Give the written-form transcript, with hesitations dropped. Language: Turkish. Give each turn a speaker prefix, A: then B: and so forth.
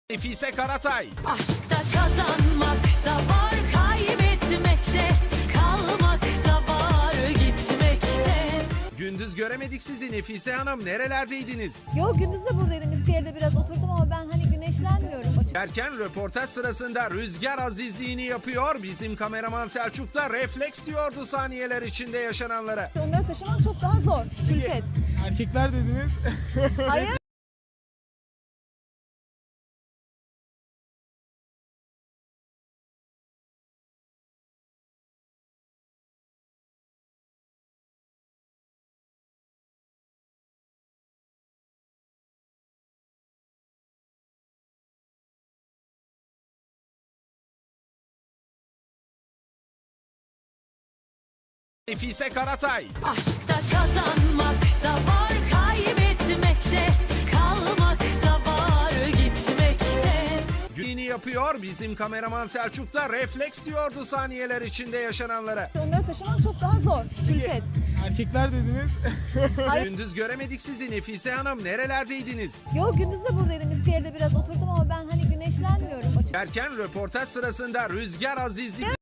A: Nefise Karatay.
B: Aşkta kazanmak da var, kaybetmekte, kalmak da var, gitmekte.
A: Gündüz göremedik sizi Nefise Hanım. Nerelerdeydiniz?
C: Yo, gündüz de buradaydım. İskele'de biraz oturdum ama ben hani güneşlenmiyorum açıkçası.
A: Derken röportaj sırasında rüzgar azizliğini yapıyor. Bizim kameraman Selçuk da refleks diyordu saniyeler içinde yaşananlara.
C: Onları taşımak çok daha zor. Külfet.
D: Erkekler dediniz.
C: Hayır.
A: Nefise Karatay.
B: Aşkta kazanmak da var, kaybetmekte, kalmak da var, gitmekte.
A: Gününü yapıyor. Bizim kameraman Selçuk da refleks diyordu saniyeler içinde yaşananlara.
C: Onları taşımak çok daha zor. Külfet.
D: Erkekler dediniz.
C: Hayır.
A: Gündüz göremedik sizi Nefise Hanım. Nerelerdeydiniz?
C: Yo, gündüz de buradaydım. İskele'de biraz oturdum ama ben hani güneşlenmiyorum açıkçası.
A: Derken röportaj sırasında rüzgar azizliği...